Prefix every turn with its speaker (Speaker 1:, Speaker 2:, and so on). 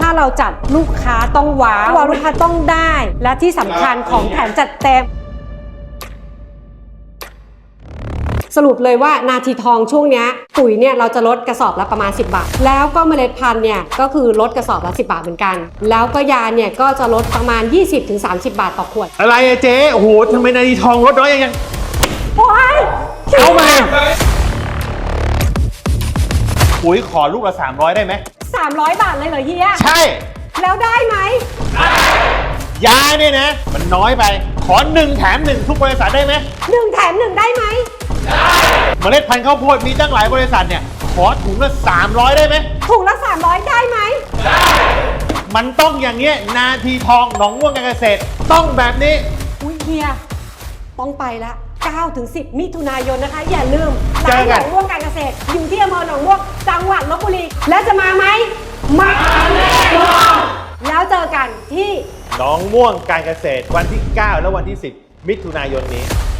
Speaker 1: ถ้าเราจัดลูกค้าต้องว้าวลูกค้าต้องได้และที่สำคัญของแถมจัดเต็มสรุปเลยว่านาทีทองช่วงนี้ปุ๋ยเนี่ยเราจะลดกระสอบละประมาณ10 บาทแล้วก็เมล็ดพันธุ์เนี่ยก็คือลดกระสอบละ10 บาทเหมือนกันแล้วก็ยาเนี่ยก็จะลดประมาณ 20-30 บาทต่อขวด
Speaker 2: อะไรอะเจ๊โอ้โหทำไมนาทีทองลดน้อยยัง
Speaker 1: โอ้ย
Speaker 2: เอามาปุ๋ยขอลูกละ300ได้ไหม
Speaker 1: 300 บาทเลยเหรอเฮีย
Speaker 2: ใช่
Speaker 1: แล้วได้ไหม
Speaker 2: ยาเนี่ยนะมันน้อยไปขอ1 แถม 1ทุกบริษัทได้ไหม
Speaker 1: 1 แถม 1ได้ไหม
Speaker 2: เมล็ดพันธุ์ข้าวโพดมีตั้งหลายบริษัทเนี่ยขอถุงละ300ได้ไหม
Speaker 1: ถุงละ300ได้ไหม
Speaker 2: ได้มันต้องอย่างเงี้ยนาทีทองหนองม่วงการเกษตรต้องแบบนี้
Speaker 1: อุ้ยเฮียต้องไปละ9-10 มิถุนายนนะคะอย่าลืม
Speaker 2: ร้าน
Speaker 1: หนองม่วงการเกษตรอยู่ที่อำเภอหนองม่วงจังหวัดลพบุรีและจะมาไหมมาแน่นอนแล้วเจอกันที่
Speaker 2: หนองม่วงการเกษตรวันที่9และวันที่10 มิถุนายนนี้